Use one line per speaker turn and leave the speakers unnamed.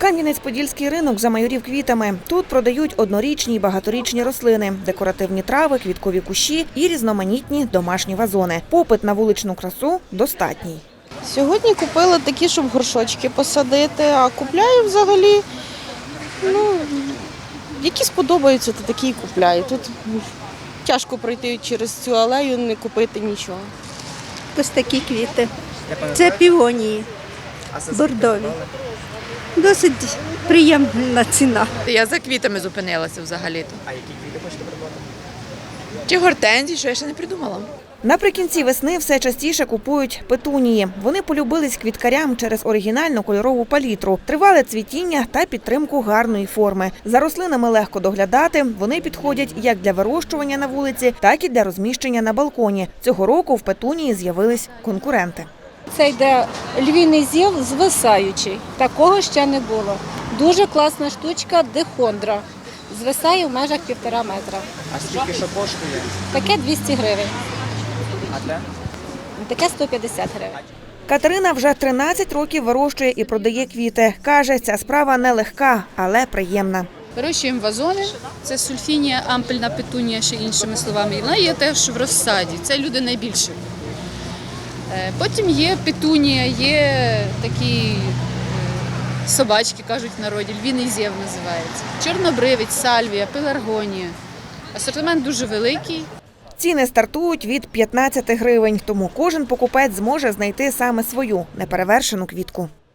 Кам'янець-Подільський ринок замайорів квітами. Тут продають однорічні і багаторічні рослини, декоративні трави, квіткові кущі і різноманітні домашні вазони. Попит на вуличну красу достатній.
Сьогодні купила такі, щоб горшочки посадити, а купляю взагалі, які сподобаються, то такі і купляю. Тут тяжко пройти через цю алею, не купити нічого.
Ось такі квіти. Це піонії бордові. Досить приємна ціна.
Я за квітами зупинилася взагалі-то. А які квіти хочете придбати? Чи гортензії, що я ще не придумала.
Наприкінці весни все частіше купують петунії. Вони полюбились квіткарям через оригінальну кольорову палітру, тривале цвітіння та підтримку гарної форми. За рослинами легко доглядати, вони підходять як для вирощування на вулиці, так і для розміщення на балконі. Цього року в петунії з'явились конкуренти.
Це йде львіний зів звисаючий. Такого ще не було. Дуже класна штучка дихондра. Звисає в межах 1,5 метра.
А скільки що коштує?
Таке 200 гривень.
А те?
Таке 150 гривень.
Катерина вже 13 років вирощує і продає квіти. Каже, ця справа нелегка, але приємна.
Вирощуємо вазони, це сульфінія, ампельна петунія, ще іншими словами. І вона є теж в розсаді, це люди найбільше. Потім є петунія, є такі собачки, кажуть в народі, львіний зєв називається. Чорнобривець, сальвія, пеларгонія. Асортимент дуже великий.
Ціни стартують від 15 гривень, тому кожен покупець зможе знайти саме свою неперевершену квітку.